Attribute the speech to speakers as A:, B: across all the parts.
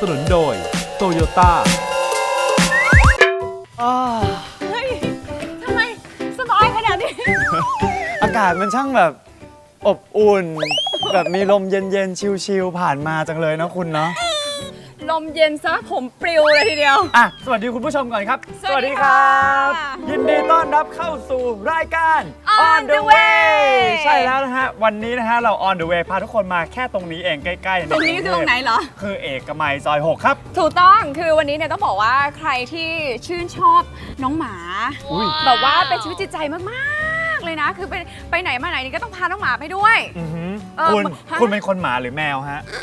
A: สนุนโดยโตโยต้า
B: เฮ้ยทำไมสบายขนาดนี้
C: อากาศมันช่างแบบอบอุ่น แบบมีลมเย็นๆ ชิลๆ ผ่านมาจังเลยเนาะคุณเนาะ
B: ลมเย็นซะผมปลิวเลยทีเดียว
C: อ่ะ สวัสดีคุณผู้ชมก่อนครับ
B: สวัสดีค่ะ
C: ยินดีต้อนรับเข้าสู่รายการ
B: On the way
C: ใช่แล้วนะฮะ วันนี้นะฮะ เรา On the way พาทุกคนมาแค่ตรงนี้เองใกล้ๆ
B: ตรงนี้คือตรงไหนเหรอ
C: คือเอกมัยซอย 6 ครับ
B: ถูกต้องคือวันนี้เนี่ยต้องบอกว่าใครที่ชื่นชอบน้องหมา
C: อุ๊ย
B: แบบว่าเป็นชีวิตจิตใจมากๆเลยนะ คือไปไหนมาไหนนี่ก็ต้องพาน้องหมาไปด้วย
C: อือหือ
B: เออ
C: คุณ
B: ฮะ
C: คุณเป็นคนหมาหรือแมวฮะ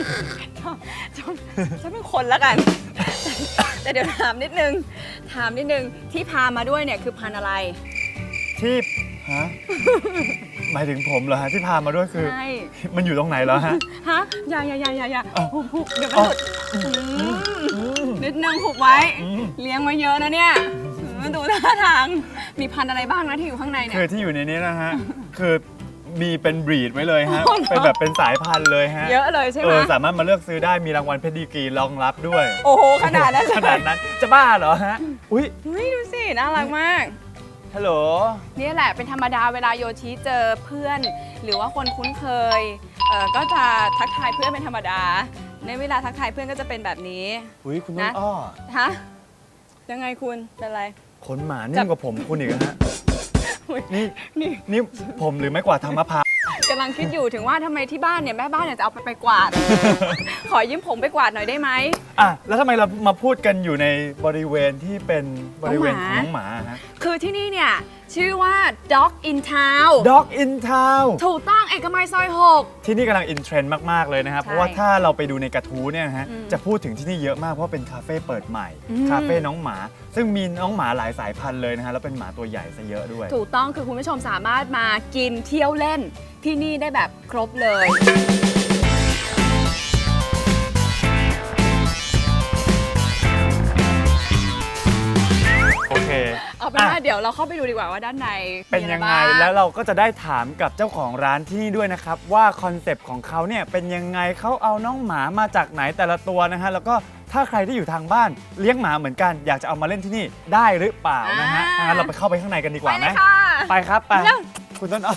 B: ฉันเป็นคนแล้วกัน แต่เดี๋ยวถามนิดนึงที่พามาด้วยเนี่ยคือพันธุ์อะไร
C: ที่ฮะ หมายถึงผมเหรอฮะ ที่พามาด้วยคือ
B: ใช่
C: มันอยู่ตรงไหนแล้วฮะ
B: ฮะอย่าหุบเดี๋ยวมัน
C: อ๋อ
B: หลุดนิดนึงหุบไว้
C: อืม
B: เลี้ยงไว้เยอะนะเนี่ยดูท่าทางมีพันธุ์อะไรบ้างนะที่อยู่ข้างในเนี่
C: คื
B: ย
C: อที่อยู่ในนี้นะฮะ คือมีเป็นบรีดไว้เลยฮะ
B: อ๋อเหรอ
C: เป็นแบบเป็นสายพันธุ์เลยฮะ
B: เยอะเลยใช่ไหม
C: สามารถมาเลือกซื้อได้มีรางวัลเพดิกรีรองรับด้วย
B: โอ้โหขนาดนั้นเลย
C: ขนาดนั้นจะบ้าเหรอฮะ อุ้ย
B: เฮ้ยดูสิน่ารักมาก
C: ฮัลโหล
B: นี่แหละเป็นธรรมดาเวลาโยชิเจอเพื่อน หรือว่าคนคุ้นเคยก็จะทักทายเพื่อนเป็นธรรมดา ในเวลาทักทายเพื่อนก็จะเป็นแบบนี้
C: อุ้ยคุณต้น
B: นะ
C: อ้อ
B: ฮะยังไงคุณเป็นไร
C: ขนหมานิ่มกว่าผมคุณอีกนะฮะ
B: อุ๊ย
C: นี่
B: นี่
C: นี่ผมหรือไม่กว่าดทางมะพร้าว
B: กำลังคิดอยู่ถึงว่าทำไมที่บ้านเนี่ยแม่บ้านเนี่ยจะเอาไปกวาด ขอยืมผมไปกวาดหน่อยได้ไหม
C: อ่ะ แล้วทำไมเรามาพูดกันอยู่ในบริเวณที่เป็นบริเวณของ
B: น้
C: น้
B: อ
C: อง ง
B: ห
C: ห
B: มา
C: มาฮะ
B: คือที่นี่เนี่ยชื่อว่า Dog in Town
C: Dog in Town
B: ถูกต้องเอกมัยซอย
C: ที่นี่กำลังอินเทรนด์มาก ๆ เลยนะครับ
B: ใช่
C: เพราะว่าถ้าเราไปดูในกระทู้เนี่ยนะฮะ
B: อืม
C: จะพูดถึงที่นี่เยอะมาก เพราะว่าเป็นคาเฟ่เปิดใหม่
B: อืม
C: คาเฟ่น้องหมา ซึ่งมีน้องหมาหลายสายพันธุ์เลยนะฮะ แล้วเป็นหมาตัวใหญ่ซะเยอะด้วย
B: 6ถูกต้องคือคุณผู้ชมสามารถมากินเที่ยวเล่นที่นี่ได้แบบครบเลย
C: โอเค
B: เอาเป็นว่า
C: อ่ะ
B: เดี๋ยวเราเข้าไปดูดีกว่าว่าด้านใน
C: เป็น
B: มีอะร
C: ยังไง
B: บ้า
C: แล้วเราก็จะได้ถามกับเจ้าของร้านที่นี่ด้วยนะครับ ว่าคอนเซปต์ของเขาเนี่ยเป็นยังไงเขาเอาน้องหมามาจากไหนแต่ละตัวนะฮะ แล้วก็ถ้าใครที่อยู่ทางบ้านเลี้ยงหมาเหมือนกัน อยากจะเอามาเล่นที่นี่ได้หรือเปล่านะฮะงั้นเราไปเข้าไปข้างในกันดีก
B: ไป
C: ว่าไห
B: เล
C: ม
B: ยค่ะ
C: ไปครับไป
B: เร็ว
C: คุณต้นอ้อ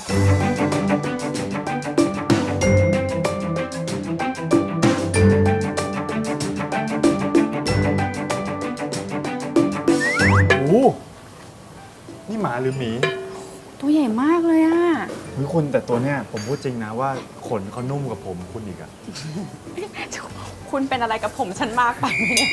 C: โอ้โหนี่หมาหรือหมี
B: ตัวใหญ่มากเลยอ่ะ
C: เฮ้ยคุณแต่ตัวเนี้ยผมพูดจริงนะว่าขนเขานุ่มกว่าผมคุณอีกอะ
B: คุณเป็นอะไรกับผมฉันมากไปไหมเนี่ย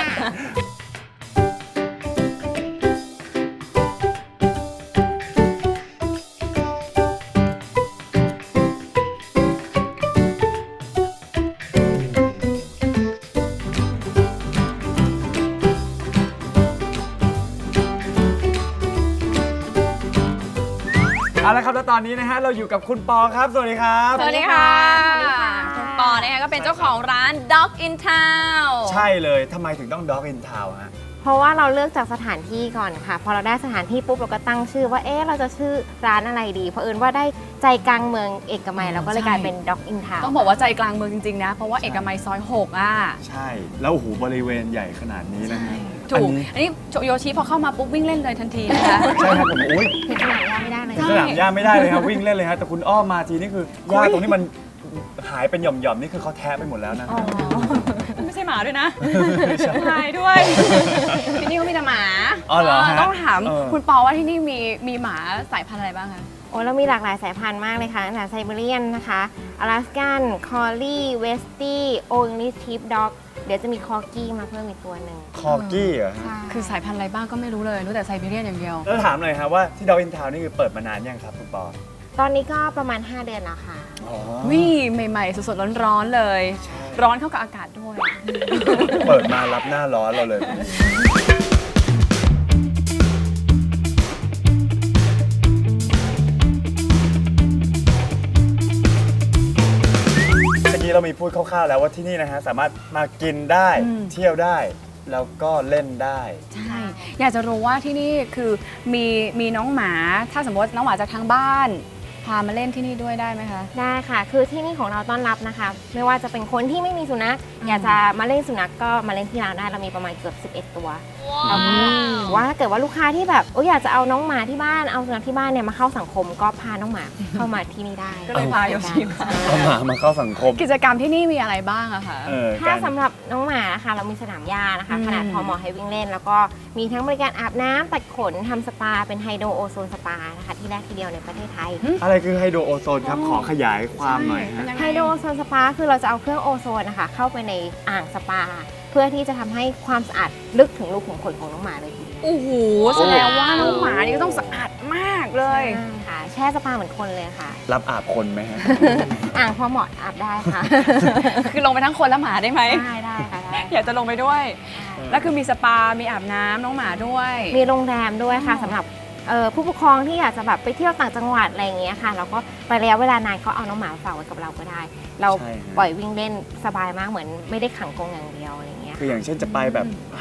C: เอาละครับแล้วตอนนี้นะฮะเราอยู่กับคุณปอครับ สวัสดีครับ
B: สวัสดีค่ะ
D: สวัสดีค่ะ
B: คุณปอนะคะก็เป็นเจ้าของร้าน Dog in Town
C: ใช่เลยทำไมถึงต้อง Dog in Town ฮะ
D: เพราะว่าเราเลือกจากสถานที่ก่อนค่ะ พอเราได้สถานที่ปุ๊บเราก็ตั้งชื่อว่าเราจะชื่อร้านอะไรดีเพราะเอิญว่าได้ใจกลางเมืองเอกมัยเราก็เลยกลายเป็น Dog in Town
B: ต้องบอกว่าใจกลางเมืองจริง ๆ นะ เพราะว่าเอกมัยซอย 6 อ่ะ
C: ใช่ แล้วโอ้โหบริเวณใหญ่ขนาดนี้นะฮะ
B: ถูก
C: อันนี้
B: อันนี้โยชิพอเข้ามาปุ๊บวิ่งเล่นเลยทันทีนะคะ
C: ใช่ครับผมโอ้ย
D: ถึงสนามหญ้าไม่ได้เลย
C: ถึงสนามหญ้าไม่ได้เลยครับวิ่งเล่นเลยฮะแต่คุณอ้อมมาทีนี่คือหญ้าตรงนี้มันหายเป็นหย่อมๆนี่คือเขาแทะไปหมดแล้วนะ
B: อ๋อ ไม่ใช่หมาด้วยนะ
C: ไม่ใช่
B: หายด้วย ที่นี่ก็มีแต่หมา
C: อ๋อเหรอฮะ
B: ต้องถาม
C: เออ
B: คุณปอว่าที่นี่มีหมาสายพันธุ์อะไรบ้างคะ
D: โอ้เรามีหลากหลายสายพันธุ์มากเลยค่ะตั้งแต่ไซบีเรียนนะคะอลาสกันคอลลี่เวสตี้โออิงลิชทิปด็อกเดี๋ยวจะมีคอกี้มาเพิ่มอีกตัวหนึ่ง
C: คอกี้เหรอฮะ
D: ใช่
B: คือสายพันธุ์อะไรบ้างก็ไม่รู้เลยรู้แต่ไซบีเรียนอย่างเดียว
C: แล้วถามหน่อยครับว่าที่ Dog in Town นี่คือเปิดมานานยังครับคุณปอ
D: ตอนนี้ก็ประมาณ 5 เดือนแล้วค่ะ
C: อ๋อ
B: วิ่ใหม่ๆสดๆร้อนๆเลย
C: ใช่
B: ร้อนเข้ากับอากาศด้วย
C: เปิดมารับหน้าร้อนเราเลย เมื่อกี้เรามีพูดคร่าวๆแล้วว่าที่นี่นะฮะสามารถมากินได้
B: อืม
C: เที่ยวได้ แล้วก็เล่นได้
B: ใช่อยากจะรู้ว่าที่นี่คือมีน้องหมา ถ้าสมมติน้องหมาจากทางบ้านพามาเล่นที่นี่ด้วยได้ไหมคะ
D: ได้ค่ะ คือที่นี่ของเราต้อนรับนะคะ ไม่ว่าจะเป็นคนที่ไม่มีสุนัขอยากจะมาเล่นสุนัขก็มาเล่นที่ร้านได้เรามีประมาณเกือบ11 ตัวแล้วก็ว่าถ้าเกิดว่าลูกค้าที่แบบอยากจะเอาน้องหมาที่บ้านเอาสุนัขที่บ้านเนี่ยมาเข้าสังคมก็พาน้องหมาเข้ามาที่นี่ได้
B: ก็เลยพาโยชิมา
C: เอาหมามาเข้าสังคม
B: กิจกรรมที่นี่มีอะไรบ้างอะคะ
D: ถ้าสำหรับน้องหมานะคะเรามีสนามหญ้านะคะ ขนาดพอเหมาะให้วิ่งเล่น แล้วก็มีทั้งบริการอาบน้ำตัดขนทำสปาเป็นไฮโดรโอโซนสปานะคะที่แรกทีเดียวในประเทศไทย
C: อะไรคือไฮโดรโอโซนครับ ขอขยายความหน่อยฮะ
D: ไฮโดรโอโซนสปาคือเราจะเอาเครื่องโอโซนนะคะเข้าไปในอ่างสปา เพื่อที่จะทำให้ความสะอาดลึกถึงรูขุมขนของน้องหมาเลยทีเดียว
B: โอ้โหแสดงว่าน้องหมานี่ก็ต้องสะอาดมากเลย
D: ใช่ค่ะแช่สปาเหมือนคนเลยค่ะ
C: รับอาบคนไหมฮะ
D: อ่างพอเหมาะอาบได้ค่ะ
B: คือลงไปทั้งคนและหมาได้ไหม
D: ได้ค่ะได้
B: อยากจะลงไปด้วย แล้วคือมีสปา มีอาบน้ำน้องหมาด้วย
D: มีโรงแรมด้วยค่ะสำหรับผู้ปกครองที่อยากจะแบบไปเที่ยวต่างจังหวัดอะไรอย่างเงี้ยค่ะแล้วก็ไประยะเวลานานก็เอาน้องหมาฝากไว้กับเราก็ได้ เรา
C: ใช่ฮะ
D: ปล่อยวิ่งเล่นสบายมากเหมือนไม่ได้ขังกรงอย่างเดียวอะไรอย่างเงี้ย
C: คืออย่างเช่นจะไปแบบ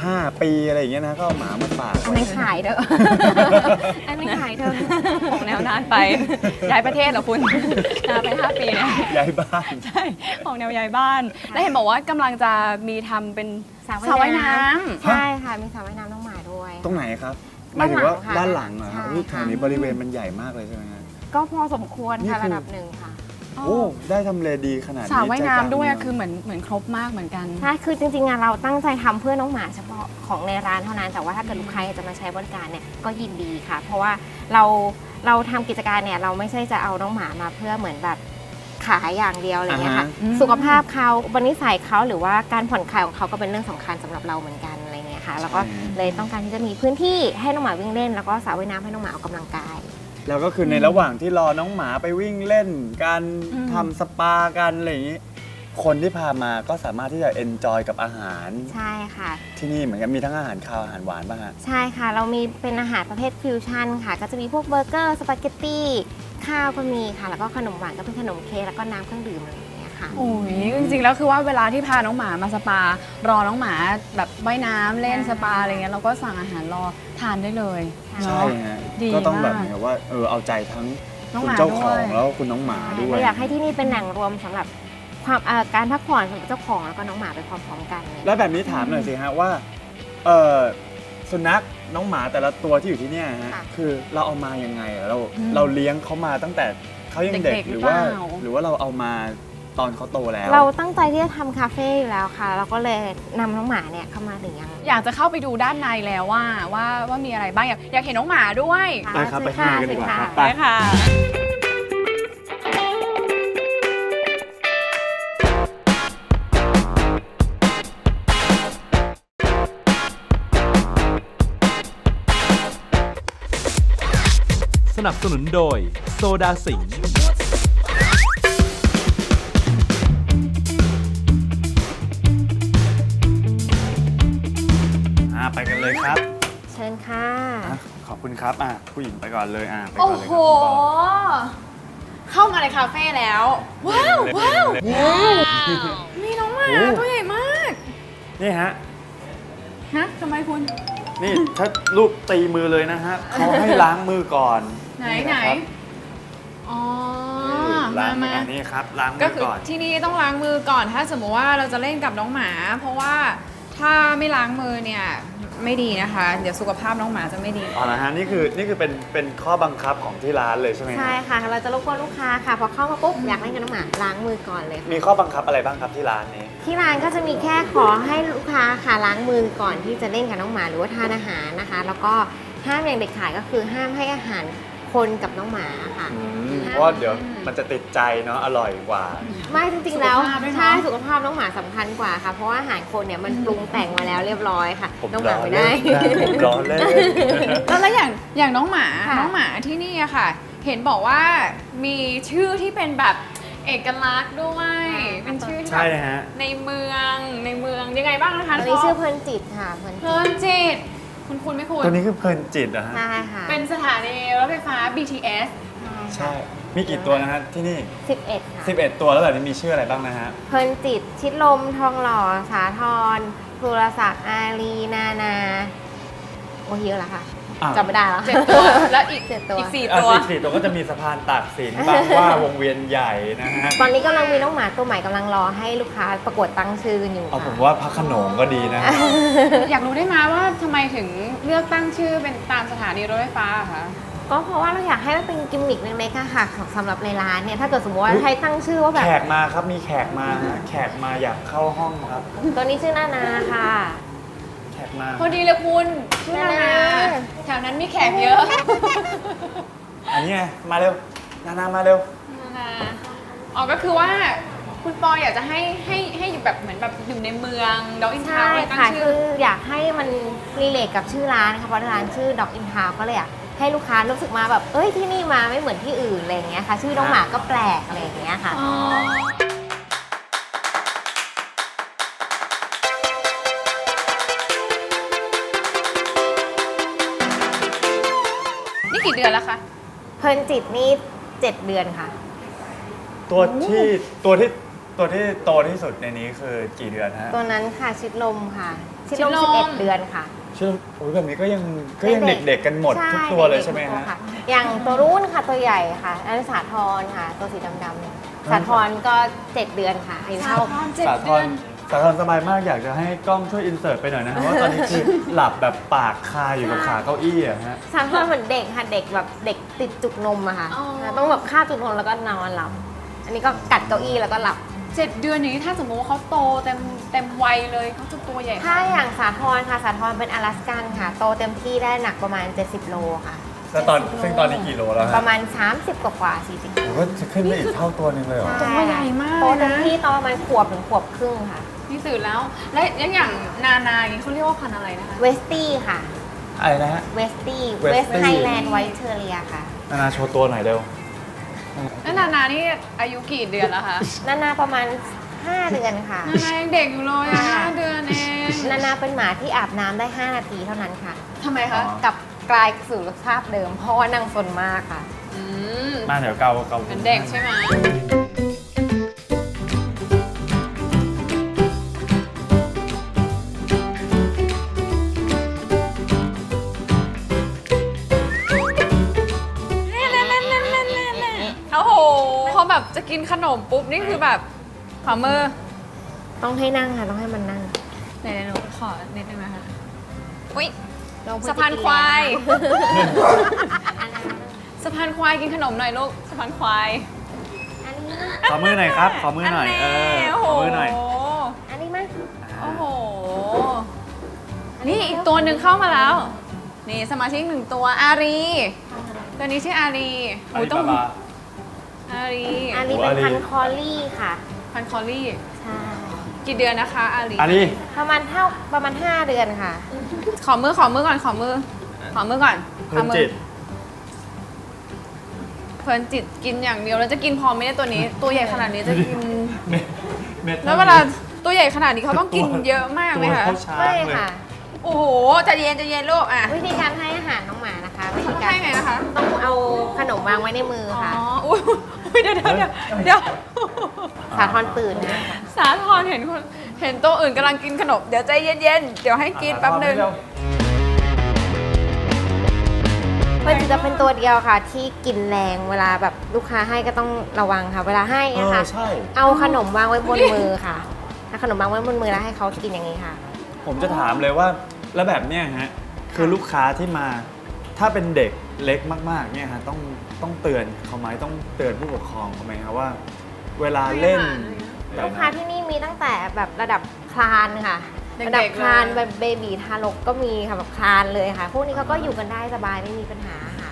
C: 5 ปีอะไรอย่างเงี้ยนะก็เอาหมามาฝาก
D: อันนั้นขายเด้อ อันนั้นขายเด้อ
B: ของแนวนานไป ย้ายประเทศเหรอคุณ นานไป 5 ปีเนี่ย
C: ย้ายบ้าน
B: ใช่ ของแนวย้ายบ้าน แล้วเห็นบอกว่ากำลังจะมีทำเป็นสระว่ายน้ำ
D: ใช่ค่ะมีสระว่ายน้ำน้องหมาด้วย
C: ตรงไหนครับหมายถึงว่าด้านหลังเหรอครับ
D: ใช่
C: อุ๊ยแถ
D: ค่ะ
C: วนี้บริเวณมันใหญ่มากเลยใช่ไหมฮะ
D: ก็พอสมควร
C: นี่
D: ค่ะ
C: คือ
D: ระดับหนึ่งค่ะ
C: โอ้ได้ทำเลดีขนาดนี้
B: สระว่ายน้ำด้วย
C: ใจกลาง
B: อะคือเหมือนครบมากเหมือนกัน
D: ใช่คือจริงๆอะเราตั้งใจทำเพื่อน้องหมาเฉพาะของในร้านเท่านั้น แต่ว่าถ้าเกิดลูกค้าอยากจะมาใช้บริการเนี่ยก็ยินดีค่ะ เพราะว่าเราทำกิจการเนี่ยเราไม่ใช่จะเอาน้องหมามาเพื่อเหมือนแบบขายอย่างเดียวอะไรเงี้ยค่ะ
B: อืม
D: สุขภาพเขาบนิสัยเขาหรือว่าการผ่อนคลายของเขาก็เป็นเรื่องสำคัญสำหรับเราเหมือนกันอะไรเงี้ยค่ะ แล้วก็เลยต้องการที่จะมีพื้นที่ให้น้องหมาวิ่งเล่น แล้วก็สระว่ายน้ำให้น้องหมาออกกำลังกาย
C: แล้วก็คือในระหว่างที่รอน้องหมาไปวิ่งเล่นการ
B: อืม
C: ทำสปากันอะไรอย่างนี้ คนที่พามาก็สามารถที่จะเอนจอยกับอาหาร
D: ใช่ค่ะ
C: ที่นี่เหมือนกันมีทั้งอาหารคาวอาหารหวานป่ะฮะ
D: ใช่ค่ะ เรามีเป็นอาหารประเภทฟิวชั่นค่ะ ก็จะมีพวกเบอร์เกอร์ สปาเกตตี้ ข้าวก็มีค่ะ แล้วก็ขนมหวานก็เป็นขนมเค้กแล้วก็น้ำเครื่องดื่มอะไรอย่างเงี้ยค่ะ
B: โอ้ยจริงๆแล้วคือว่าเวลาที่พาน้องหมามาสปารอน้องหมาแบบว่ายน้ำเล่นสปาอะไรเงี้ยเราก็สั่งอาหารรอทานได้เลย
C: ใช่
B: เนาะ
C: ฮะ
B: ดี
C: ก็ต้องแบบ
B: มาก
C: เหมือนกับว่าเอาใจทั้ง
B: น้อง
C: คุ
B: ห
C: ณ
B: มา
C: เจ้าของ
B: ด้วย
C: แล้วก็คุณน้องหมาด้วย
D: เราอยากให้ที่นี่เป็นแหล่งรวมสำหรับความการพักผ่อนสำหรับเจ้าของแล้วก็น้องหมาไปพร้อมๆกันเลย
C: แล้วแบบนี้ถามหน่อยสิฮะว่าสุนัขน้องหมาแต่ละตัวที่อยู่ที่เนี่ยฮะ
D: ค่ะ
C: คือเราเอามายังไงอะเรา
B: อืม
C: เราเลี้ยงเขามาตั้งแต่เขายังเด็ก
B: เด็กๆ
C: หรือว่า
B: หรือเปล่า
C: หรือว่าเราเอามาตอนเขาโตแล้ว
D: เราตั้งใจที่จะทำคาเฟ่อยู่แล้วค่ะ เราก็เลยนำน้องหมาเนี่ยเข้ามาเลี้ยง
B: อยากจะเข้าไปดูด้านในแล้วว่ามีอะไรบ้างอยากเห็นน้องหมาด้วย
C: ไปครับไปข้างในกันดีกว่าครับ
B: ไปค่ะ
A: สนับสนุนโดยโซดาสิงห์
C: ไปกันเลยครับ
D: เชิญค่ะ
C: ขอบคุณครับผู้หญิงไปก่อนเลยไปก่
B: โอ้
C: อนเลย
B: โห
C: ครับคุณปอ
B: เข้ามาในคาเฟ่แล้ว ว้าวว้าว
C: เล็ก
B: มีน้องหมา
C: โอ้
B: ตัวใหญ่มาก
C: นี่ฮะ
B: ฮะทำไมคุณ
C: นี่ถ้าลูกตีมือเลยนะฮะเขาให้ล้างมือก่อน
B: ไหน
C: นี่
B: ไหน
C: นะครับ
B: อ๋อ
C: ล้างมือ
B: มา
C: อันนี้ครับล้างมื
B: ก็
C: อ
B: คือ
C: ก่อน
B: ที่นี่ต้องล้างมือก่อนถ้าสมมติว่าเราจะเล่นกับน้องหมา เพราะว่าถ้าไม่ล้างมือเนี่ยไม่ดีนะคะ เดี๋ยวสุขภาพน้องหมาจะไม่ดี
C: อ๋อนะฮะนี่คือเป็นข้อบังคับของที่ร้านเลยใช่ไหมฮะ
D: ใช่ค่ะ เราจะรบกวนลูกค้าค่ะ พอเข้ามาปุ๊บอยากเล่นกับน้องหมาล้างมือก่อนเลยค่ะ
C: มีข้อบังคับอะไรบ้างครับที่ร้านนี้
D: ที่ร้านก็จะมีแค่ขอให้ลูกค้าค่ะล้างมือก่อนที่จะเล่นกับน้องหมาหรือว่าทานอาหารนะคะ แล้วก็ห้ามอย่างเด็ดขาดก็คือห้ามให้อาหารคนกับน้องหมาค่ะ
C: เพราะว่าเดี๋ยวมันจะติดใจเนาะอร่อยกว่า
D: ไม่จริงๆแล้ว
B: สุขภาพด้วยเนอะ
D: ใช่สุขภาพน้องหมาสำคัญกว่าค่ะ เพราะว่าอาหารคนเนี่ยมันปรุงแต่งมาแล้วเรียบร้อยค่ะ
C: ผม
D: น้องหมา
C: ล้อ
D: ไม่
C: เล่
D: ได้
C: นผมล้อเล่น
B: แล้วอย่างน้องหมา
D: ค่ะ
B: น้องหมาที่นี่อะค่ะ เห็นบอกว่ามีชื่อที่เป็นแบบเอกลักษณ์ด้วยเป็นชื่อที่
C: ใช่
B: แบบ
C: ฮะ
B: ในเมืองยังไงบ้างนะคะ
D: อันนี้ชื่อเพลินจิตค่ะเพลิน
B: เพลินจิตคุณไม่คุณ
C: ตัวนี้คือเพลินจิตเหรอฮะ
D: ใช่ค่ะ
B: เป็นสถานีรถไฟฟ้า BTS
C: ใช่ มีกี่ตัวนะฮะที่นี่
D: 11ค่ะ
C: 11 ตัวแล้วแบบนี้มีชื่ออะไรบ้างนะฮะ
D: เพลินจิต ชิดลม ทองหล่อ สาทรสุรศักดิ์อารีนานา โอ้เยอะแล้วค่ะ
C: อ้าว
D: จำไม่ได้แล้ว
B: 7 ตัวแล้วอีก
D: 7 ตัว
B: อีก 4
C: อ่ะ
B: ตัว
C: สี่ตัวก็จะมีสะพานตากสินบางหว่าวงเวียนใหญ่นะฮะ
D: ตอนนี้กำลังมีน้องหมาตัวใหม่กำลังรอให้ลูกค้าประกวดตั้งชื่อกันอยู่
C: เอาผม
D: ค่ะ
C: ว่าพระโขนงก็ดีนะ
B: อยากรู้ได้ไหมว่าทำไมถึงเลือกตั้งชื่อเป็นตามสถานีรถไฟฟ้าอะคะ
D: ก็เพราะว่าเราอยากให้มันเป็นกิมมิคเล็กๆอะค่ะสำหรับในร้านเนี่ยถ้าเกิดสมมติว่า
C: อุ๊ย
D: ใครตั้งชื่อว่าแบบ
C: แขกมาครับมีแขกมาฮะแขกมาอยากเข้าห้องครับ
D: ตัวนี้ชื่อนานาค่ะ
C: แขกมา
B: พอดีเลยคุณชื่อนานา
D: นานา
B: แถวนั้นมีแขกเยอะ
C: อันนี้ไงมาเร็วนานามาเร็ว
B: นานาอ๋อก็คือว่าคุณปออยากจะให้อยู่แบบเหมือนแบบอยู่ในเมืองดอกอินทา
D: ใช่
B: วน์ตั้ง
D: ค่ะ
B: ชื่
D: คือ ออยากให้มันรีเลทกับชื่อร้านนะคะเพราะร้านชื่อ Dog in Town ก็เลยอยากให้ลูกค้ารู้สึกมาแบบเอ้ยที่นี่มาไม่เหมือนที่อื่นอะไรอย่างเงี้ยค่ะ ชื่อน้องหมาก็แปลกอะไรอย่างเงี้ยค่ะ
B: อ๋อนี่กี่เดือนแล้วคะ
D: เพลินจิตนี่ 7 เดือนค่ะ
C: ตัวที่โตที่สุดในนี้คือกี่เดือนฮะ
D: ตัวนั้นค่ะชิดลมค่ะ ชิดลม
B: ชิดลม
D: 11 เดือนค่ะ
C: ชื่อโอ้ยแบบนี้ก็ยังเด็กๆกันหมดทุกตัวเลยใช่ไหม
D: ด็กๆทุก
C: ฮะ
D: ค่ะ อย่างตัวรุ่นค่ะตัวใหญ่ค่ะอันนนสาทรค่ะ ตัวสีดำๆเนี่ยสาทรก็ 7 เดือนค่ะอายุเท่า
B: 7
C: สาธ
B: เดือ
C: ร
B: น
C: สาธรสบายมากอยากจะให้กล้องช่วยอินเสิร์ตไปหน่อยนะครับว่าตอนนี้คือหลับแบบปากคาอยู่กับขาเก้าอี้อะฮะ
D: สาทรเหมือนเด็กค่ะเด็กแบบเด็กติดจุกนมอะค่ะ
B: อ๋อ
D: ต้องแบบคาบจุกนมแล้วก็นอนหลับ อันนี้ก็กัดเก้าอี้แล้วก็หลับ
B: 7 เดือนอย่างนี้ถ้าสมมติว่าเขาโตเต็มวัยเลยเขาจะตัวใหญ่
D: ถ้าอย่างสาทรค่ะสาทรเป็นอลาสกันค่ะ โตเต็มที่ได้หนักประมาณ 70 โลค่ะ
C: แล้วซึ่งตอนนี้กี่โลแล้ว
D: ป
C: ฮะ
D: ระมาณ 30 กว่าๆ40
C: ผมก็จะขึ้นไปอีกเท่าตัวหนึงเลยเหรอ
B: ตัวใหญ่มาก
D: โต
B: เลย
D: เต็ม
B: นะ
D: ที่ตอนประมาณขวบถึงขวบครึ่งค่ะ
B: นี่สื่อแล้ว และอย่างนานาอย่างนี้เขาเรียกว่าพันธุ์อะไรนะคะ
D: เวสตี้ค่ะ
C: อะไรนะฮะ
D: เวสตี้
C: Westie
D: เวสไทแลนด์ไวท์เทอเรียค่ะ
C: นานาโชว์ตัวหน่อยเร็ว
B: แล้วนานานี่อายุกี่เดือนแล้วคะ
D: นานาประมาณ 5 เดือนค่ะ
B: นานายังเด็กอยู่เลยอ่ะ
D: ค่ะ
B: 5 เดือนเอง
D: นานาเป็นหมาที่อาบน้ำได้ 5 นาทีเท่านั้นค่ะ
B: ทำไมคะ
C: อ๋อ
D: กลับกลายสู่สภาพเดิม เพราะว่านางสนมากค่ะ
B: อืม
C: มาเดี๋ยวเกา
B: เป็นเด็กใช่ไหมโอ้โหพอแบบจะกินขนมปุ๊บนี่คือแบบขอมือ
D: ต้องให้นั่งค่ะ ต้องให้มันนั่ง
B: ไหนๆหนูขอนิดนึงนะคะอุ้ย
D: ลองพูด
B: สะพานควาย
D: อันนั้น
B: สะพานควายกินขนมหน่อยลูกสะพานควาย
D: อันนี้
C: ขอมือหน่อยครับ ขอมือหน่อย
B: แโอ้
C: ข
B: โห
C: อมือหน่อย
D: อันนี้มั้ย
B: โอ้โห นี่อีกตัวหนึ่งเข้ามาแล้ว นี่สมาชิกหนึ่งตัวอารี ตัวนี้ชื่ออารี
C: อันนี้
B: ต้อง
C: บาบา
B: อารี
D: อันนี้เป็นพันธุ์คอลลี่ค่ะ
B: พันคอลลี่
D: ใช่
B: กี่เดือนนะคะอารี
C: อันนี้
D: ประมาณ5 เดือนค่ะ
B: ขอมือก่อนขอมือก่อน
C: เพิ่มจิต
B: เพลินจิตกินอย่างเดียวแล้วจะกินพอไหมเนี่ยตัวนี้ ตัวใหญ่ขนาดนี้จะกิน
C: เม็ด
B: แล้วเวลาตัวใหญ่ขนาดนี้เขาต้องกินเยอะมากไหม
C: ตัว
B: คะ
C: เท่าช้าง
D: ไม่
C: เลย
D: ค่ะ
B: โอ้โหใจเย็นลูกอ่ะ
D: วิธีการให้อาหารน้องหมานะคะวิธี
B: เขา
D: การ
B: ให้ไงนะคะ
D: ต้องเอาขนมวางไว้ในมือ
B: อ๋อ
D: ค่ะ
B: อุ้ยเดี๋ยว
D: สาทรตื่นนะ
B: สาธรเห็นตัวอื่นกำลังกินขนม เดี๋ยวใจเย็นๆ เดี๋ยวให้กินแป๊บนึง
D: เพื่อนจะเป็นตัวเดียวค่ะ ที่กินแรงเวลาแบบลูกค้าให้ก็ต้องระวังค่ะ เวลาให้นะคะ
C: ใช่
D: เอาขนมวางไว้บนมือค่ะถ้าขนมวางไว้บนมือแล้วให้เขากินอย่างนี้ค่ะ
C: ผมจะถามเลยว่าแล้วแบบเนี้ยฮะคือลูกค้าที่มาถ้าเป็นเด็กเล็กมากๆเนี่ยฮะต้องเตือนเขาไหมต้องเตือนผู้ปกครองเขาไหมครับว่า เวลาเล่น
D: ลูกค้าที่นี่มีตั้งแต่แบบระดับคลานค่ะ
B: เด็กๆ
D: ระดับคลาน
B: เลย
D: แบบเบบีทารกก็มีค่ะแบบคลานเลยค่ะ พวกนี้เขาก็อยู่กันได้สบายไม่มีปัญหาค่ะ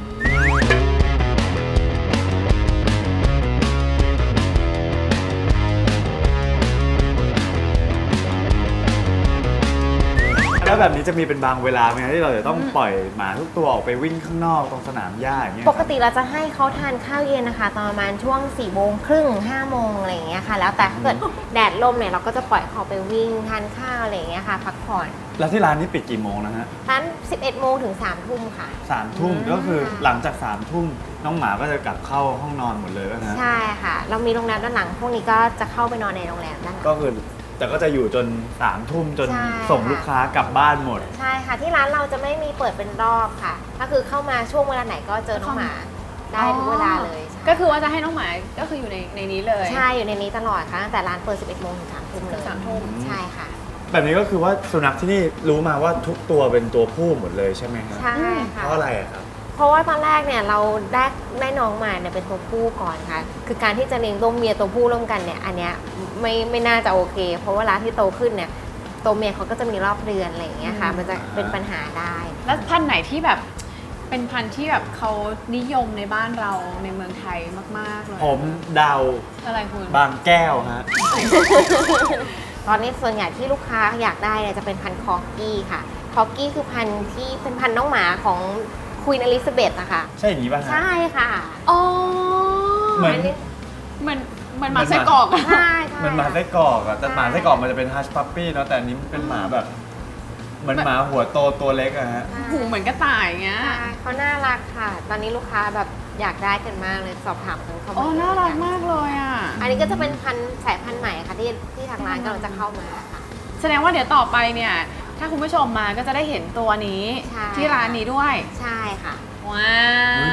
C: แล้วแบบนี้จะมีเป็นบางเวลาไหมครับที่เราจะต้องปล่อยหมาทุกตัวออกไปวิ่งข้างนอกตรงสนามหญ้าอย่างเงี้ย
D: ปกติเราจะให้เขาทานข้าวเย็นนะคะตอนประมาณช่วง4 โมงครึ่ง5 โมงอะไรอย่างเงี้ยค่ะ แล้วแต่ถ้าเกิดแดดลมเนี่ยเราก็จะปล่อยเขาไปวิ่งทานข้าวอะไรอย่างเงี้ยค่ะพักผ่อน
C: แล้วที่ร้านนี้ปิดกี่โมงนะฮะ
D: ร้าน11 โมงถึง3 ทุ่มค่ะ
C: 3 ทุ่มก็คือหลังจาก3 ทุ่มน้องหมาก็จะกลับเข้าห้องนอนหมดเลยป่ะฮะ
D: ใช่ค่ะ เรามีโรงแรมด้านหลัง พวกนี้ก็จะเข้าไปนอนในโรงแรมด้านหลัง
C: ก็คือแต่ก็จะอยู่จน3 ทุ่มจน
D: ใช่
C: ส่งลูกค้ากลับบ้านหมด
D: ใช่ค่ะที่ร้านเราจะไม่มีเปิดเป็นรอบค่ะก็คือเข้ามาช่วงเวลาไหนก็เจอน้องหมาได้ทุกเวลาเลย
B: ก็คือว่าจะให้น้องหมาก็คืออยู่ในนี้เลย
D: ใช่อยู่ในนี้ตลอดค่ะตั้งแต่ร้านเปิด 11 โมงถึง 3 ทุ่มเลย
B: 3 ทุ่ม
D: ใช่ค่ะ
C: แบบนี้ก็คือว่าสุนัขที่นี่รู้มาว่าทุกตัวเป็นตัวผู้หมดเลยใช่ไหมครับ
D: ใช่ค่ะ
C: เพราะอะไรอะครับ
D: เพราะว่าตอนแรกเนี่ยเราได้น้องมาเนี่ยเป็นตัวผู้ก่อนค่ะ คือการที่จะเลี้ยงตัวเมียตัวผู้ร่วมกันเนี่ยอันเนี้ยไม่น่าจะโอเค เพราะว่าร้านที่โตขึ้นเนี่ยตัวเมียเขาก็จะมีรอบเดือนอะไรอย่างเงี้ยค่ะ มันจะเป็นปัญหาได้
B: แล้วพันธุ์ไหนที่แบบเป็นพันธุ์ที่แบบเขานิยมในบ้านเราในเมืองไทยมากๆเลย
C: ผมเดา
B: อะไรคุณ
C: บางแก้วฮะ
D: ตอนนี้ส่วนใหญ่ที่ลูกค้าอยากได้เนี่ยจะเป็นพันธุ์คอร์กี้ค่ะ คอร์กี้คือพันธุ์ที่เป็นพันธุ์น้องหมาของควีนอลิซาเบธอะค่ะ
C: ใช่อย่างนี้ป่ะฮะ
D: ใช่ค่ะ
B: อ๋อ
C: เหมือน
B: เหมือนหมาไส้กรอกอะ
D: ใช่ใช่
C: มันหมาไส้กรอกอะแต่หมาไส้กรอกมันจะเป็นฮัชพัปปี้เนาะแต่อันนี้มันเป็นหมาแบบเหมือนหมาหัวโตตัวเล็กอะฮะ
B: หูเหมือนกระต่ายเงี้ย
D: ใช่เขาน่ารักค่ะ ตอนนี้ลูกค้าแบบอยากได้กันมากเลยสอบถามกันเข้ามา
B: อ๋อ น่ารักมากเลยอ่ะ
D: อันนี้ก็จะเป็นสายพันธุ์ใหม่ค่ะที่ทางร้านกำลังจะเข้ามาค่ะ
B: แสดงว่าเดี๋ยวต่อไปเนี่ย ถ้าคุณผู้ชมมาก็จะได้เห็นตัวนี้
D: ใช่
B: ที่ร้านนี้ด้วย
D: ใช่ค่ะ
B: ว้าว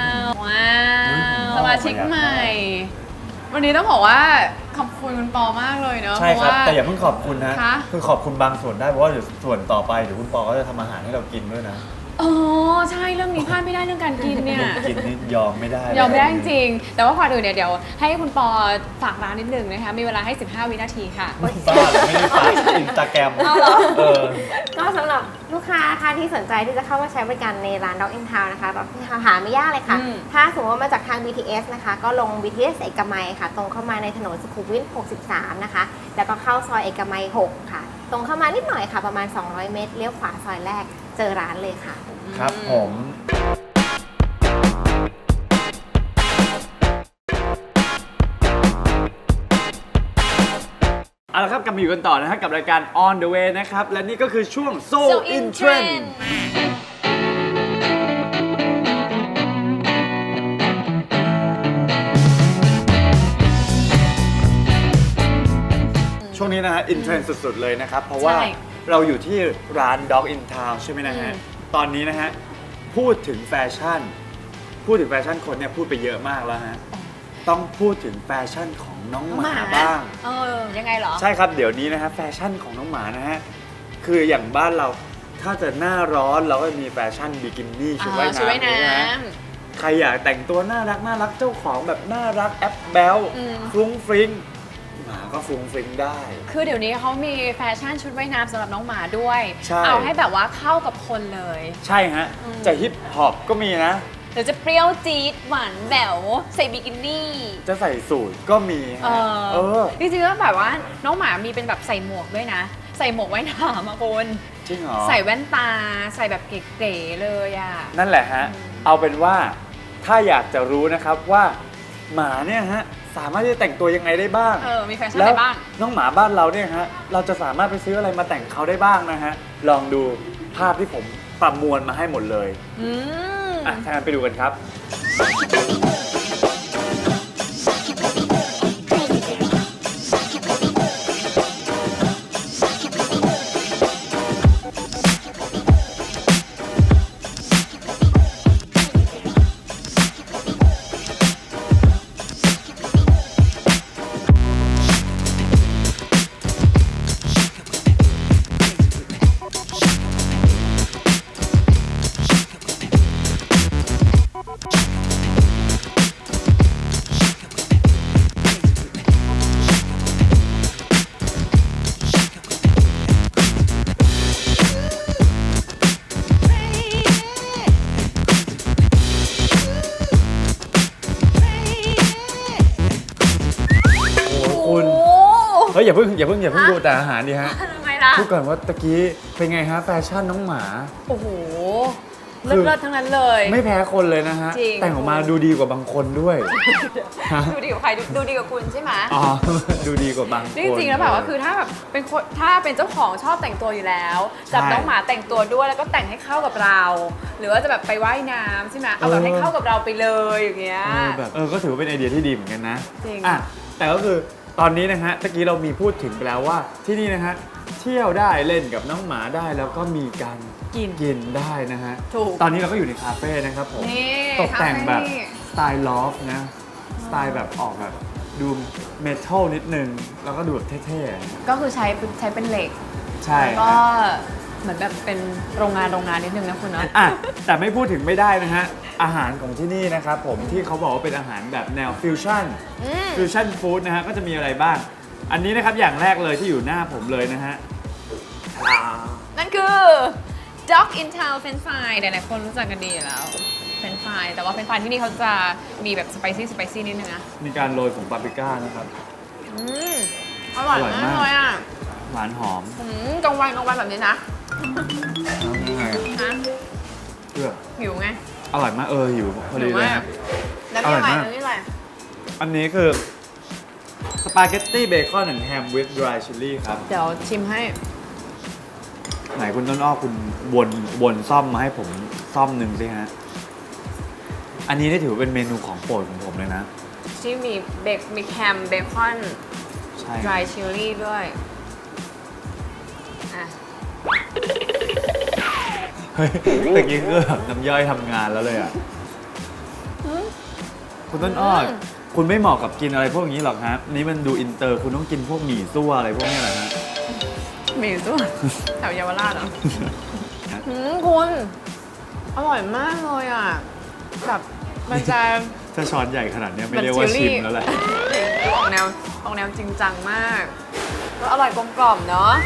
B: ว้าว
C: อุ๊ย
B: สมาชิกใหม่ วันนี้ต้องบอกว่าขอบคุณคุณปอมากเลยเนาะ
C: ใช่ครับ
B: เพะว่
C: แต่อย่าเพิ่งขอบคุณนะ
B: คะ
C: คือขอบคุณบางส่วนได้เพราะว่าเดี๋ยวส่วนต่อไปเดี๋ยวคุณปอก็จะทำอาหารให้เรากินด้วยนะ
B: อ๋อ ใช่เรื่องนี้พลาดไม่ได้เรื่องการกินเนี่ย
C: กินนี่ยอมไม่ได้
B: ยอมไม่ได้จริงๆแต่ว่าก่อนอื่นเนี่ยเดี๋ยวให้คุณปอฝากร้านนิดนึงนะคะ มีเวลาให้ 15 วินาทีค่ะ
C: บ้าเหรอไม่ได้ฝากอินสตาแกรมเออ
D: ก็สำหรับลูกค้าค่ะที่สนใจที่จะเข้ามาใช้บริการในร้าน Dog in Town นะคะแบบหาไม่ยากเลยค่ะ
B: อืม
D: ถ้าสมมติว่ามาจากทาง BTS นะคะ ก็ลง BTS เอกมัยค่ะ ตรงเข้ามาในถนนสุขุมวิท 63 นะคะ แล้วก็เข้าซอยเอกมัย 6 ค่ะ ตรงเข้ามานิดหน่อยค่ะ ประมาณ 200 เมตร เลี้ยวขวาซอยแรก เจอร้านเลยค่ะ
C: ครับผม เอาละครับกลับมาอยู่กันต่อนะฮะกับรายการ On the Way นะครับ และนี่ก็คือช่วง So in Trend ช่วงนี้นะฮะ in trend สุดๆ เลยนะครับ เพราะว่า
B: ใช่
C: เราอยู่ที่ร้าน Dog in Town ใช่ไหมนะฮะ ตอนนี้นะฮะ พูดถึงแฟชั่นคนเนี่ยพูดไปเยอะมากแล้วฮะ ต้องพูดถึงแฟชั่นของน้องหมาบ้าง
B: เออ ยังไงเหรอ
C: ใช่ครับ เดี๋ยวนี้นะฮะแฟชั่นของน้องหมานะฮะ คืออย่างบ้านเราถ้าจะหน้าร้อนเราก็มีแฟชั่นบิกินี่ชุดว่าย
B: ชุดว่าย
C: น้ำ
B: น้
C: นะฮะใครอยากแต่งตัวน่ารักเจ้าของแบบน่ารักแอปแบล
B: อืม
C: ฟรุ้งฟริ้งหมาก็ฟรุ้งฟริ้งได้
B: ำคือเดี๋ยวนี้เขามีแฟชั่นชุดว่ายน้ำสำหรับน้องหมาด้วย
C: ใช่
B: เอาให้แบบว่าเข้ากับคนเลย
C: ใช่ฮะ
B: อืม
C: จะฮิปฮอปก็มีนะ
B: หรือจะเปรี้ยวจี๊ดหวานแหววใส่บิกินี่
C: จะใส่สูทก็มีฮะเออ
B: จริงๆแล้วแบบว่าน้องหมามีเป็นแบบใส่หมวกด้วยนะ ใส่หมวกว่ายน้ำอะคุณ
C: จริงเหรอ
B: ใส่แว่นตา ใส่แบบเก๋ๆเลยอะ
C: นั่นแหละฮะ เอาเป็นว่าถ้าอยากจะรู้นะครับว่าหมาเนี่ยฮะสามารถที่จะแต่งตัวยังไงได้บ้าง
B: มีแฟชั่น
C: แล้
B: อะ
C: ว
B: ไรบ้าง
C: น้องหมาบ้านเราเนี่ยฮะเราจะสามารถไปซื้ออะไรมาแต่งเขาได้บ้างนะฮะลองดูภาพที่ผมประมวลมาให้หมดเลย
B: อืม
C: อ่ะถ้างั้นไปดูกันครับ คุณ
B: โอ้
C: เฮ้ยอย่าเพิ่งดูแต่อาหารดิฮะ
B: ทำไมล่ะ
C: พูดก่อนว่าตะกี้เป็นไงฮะแฟชั่นน้องหมา
B: โอ้โห
C: คือ
B: เลิศๆทั้งนั้นเลย
C: ไม่แพ้คนเลยนะฮะ
B: จริง
C: แต่งออกมาดูดีกว่าบางคนด้วยฮะ
B: ดูดีกว่าใครดูดีกว่าคุณใช่ไหม
C: อ๋อ ดูดีกว่าบางคน
B: จริงๆแล้วแบบว่าคือถ้าแบบเป็นคนถ้าเป็นเจ้าของชอบแต่งตัวอยู่แล้วจับ
C: ใช่
B: น้องหมาแต่งตัวด้วยแล้วก็แต่งให้เข้ากับเรา หรือว่าจะแบบไปว่ายน้ำใช่ไหมเอาแบบให้เข้ากับเราไปเลยอย่างเงี้ย
C: แบบก็ถือว่าเป็นไอเดียที่ดีเหมือนกันนะ
B: จริง
C: อ่ะแต่ก็คือตอนนี้นะฮะตะกี้เรามีพูดถึงไปแล้วว่าที่นี่นะฮะเที่ยวได้เล่นกับน้องหมาได้แล้วก็มีการกินได้นะฮะ
B: ถูก
C: ตอนนี้เราก็อยู่ในคาเฟ่นะครับผม
B: นี่
C: ตกแต่งแบบ
B: คาเฟ่นี่
C: สไตล์ลอฟนะสไตล์แบบออกแบบดูเมทัลนิดนึงแล้วก็ดูแบบเท่ๆ
B: ก็คือใช้เป็นเหล็ก
C: ใช่
B: แล้วก็เหมือนแบบเป็นโรงงานนิดนึงนะคุณเนาะ
C: อ่ะแต่ไม่พูดถึงไม่ได้นะฮะอาหารของที่นี่นะครับผมที่เขาบอกว่าเป็นอาหารแบบแนวฟิวชั่นฟู้ดนะฮะก็จะมีอะไรบ้าง อันนี้นะครับอย่างแรกเลยที่อยู่หน้าผมเลยนะฮะ
B: นั่นคือ Dog in Town French Fry หลายๆคนรู้จักกันดีอยู่แล้ว French Fry แต่ว่า French Fry ที่นี่เขาจะมีแบบสไปซี่นิดนึงนะ
C: มีการโรยผงปาปริก้านะครับ
B: อร่อย
C: อร่อยมาม
B: าก กเลยอ่ะ
C: หวานหอม
B: กลางวันแบบนี้นะ
C: ยังไง
B: นะ
C: เพื่อ
B: หิวไง
C: อร่อยมากหิวพอดีเลย
B: หิวมาก
C: ครับ
B: แล้วนี่อะไร
C: อร่อยมาก
B: แล้วนี่อะไร
C: อันนี้คือสปาเกตตี้เบคอนและแฮมวิ t ดรายชิลลี่ครับ
B: เดี๋ยวชิมให้
C: ไหนคุณต้นอ้อคุณวนซ่อมมาให้ผมซ่อมหนึ่งสิฮะ อันนี้ได้ถือว่าเป็นเมนูของโปรดของผมเลยนะ
B: ที่มีแฮมเบคอน
C: ใช่
B: ดรายชิลลี่ด้วยอ่ะ
C: เฮ้ยตะกี้คือแบบน้ำย่อยทำงานแล้วเลยอ่ะ คุณต้นอ้อคุณไม่เหมาะกับกินอะไรพวกนี้หรอกฮะ นี่มันดูอินเตอร์ คุณต้องกินพวกหมี่ซั่วอะไรพวกนี้แหละฮะ
B: มีสู้แถวเยาวราชเหรอ คุณอร่อยมากเลยอ่ะแบบมันจะ
C: ถ้าช้อนใหญ่ขนาดเนี้ยไม่เรียกว่าชิมแล้วแหละ
B: ออกแนวจริงจังมาก ก็อร่อยกลมกล่อมเนาะ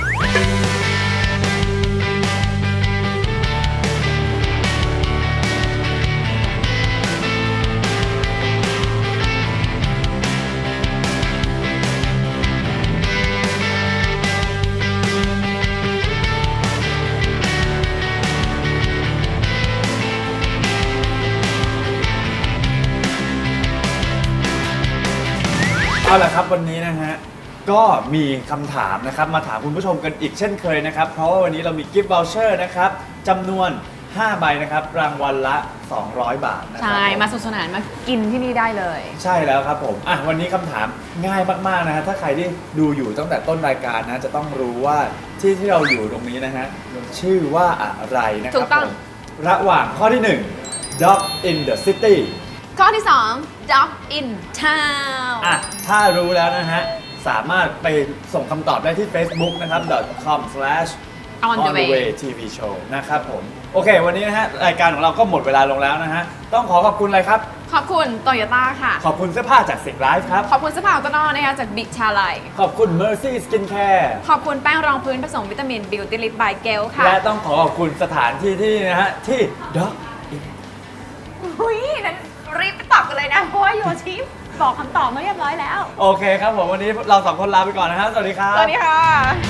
C: เอาละครับวันนี้นะฮะก็มีคำถามนะครับมาถามคุณผู้ชมกันอีกเช่นเคยนะครับเพราะว่าวันนี้เรามีกิฟต์วอลเชอร์นะครับจำนวน 5 ใบนะครับรางวัลละ 200 บาทนะครั
B: ใช่ มาสนุกสนานมากินที่นี่ได้เลย
C: ใช่แล้วครับผมอ่ะวันนี้คำถามง่ายมากๆนะฮะถ้าใครที่ดูอยู่ตั้งแต่ต้นรายการนะจะต้องรู้ว่าที่เราอยู่ตรงนี้นะฮะชื่อว่าอะไรนะค
B: ถู
C: รับ
B: กต้อง
C: ผมระหว่างข้อที่ 1 Dog in the City
B: ข้อที่ 2 Dog in Town
C: อ่ะถ้ารู้แล้วนะฮะ สามารถไปส่งคำตอบได้ที่ Facebook นะครับ .com/On the way TV show นะครับผม โอเค วันนี้นะฮะ รายการของเราก็หมดเวลาลงแล้วนะฮะ ต้องขอบคุณอะไรครับ
B: ขอบคุณโตโยต้าค่ะ
C: ขอบคุณเสื้อผ้าจากสิงไลฟ์ครับ
B: ขอบคุณเสื้อผ้าของต้นอ้อนะคะจากบิ๊กชาไล
C: ขอบคุณ Mercy Skincare
B: ขอบคุณแป้งรองพื้นผสมวิตามิน Beauty Lip by Gel ค่ะ
C: และต้องขอบคุณสถานที่ที่นะฮะ ที่ Dog
B: หุยนั้นรีบไปตอบกันเลยนะ เพราะว่าโยชิบอกคำตอบมาเรียบร้อยแล้ว
C: โอเคครับผม วันนี้เราสองคนลาไปก่อนนะครับ สวัสดีครับ
B: สวัสดีค่ะ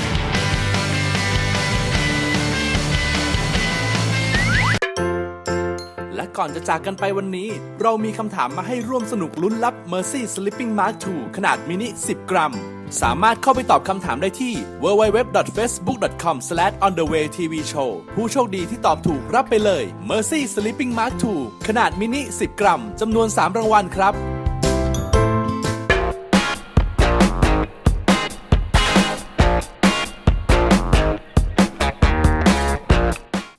A: และก่อนจะจากกันไปวันนี้ เรามีคำถามมาให้ร่วมสนุกลุ้นรับ Mercy Sleeping Mask 2 ขนาดมินิ 10 กรัม สามารถเข้าไปตอบคำถามได้ที่ www.facebook.com/onthewaytvshow ผู้โชคดีที่ตอบถูกรับไปเลย Mercy Sleeping Mask 2 ขนาดมินิ 10 กรัม จำนวน 3 รางวัลครับ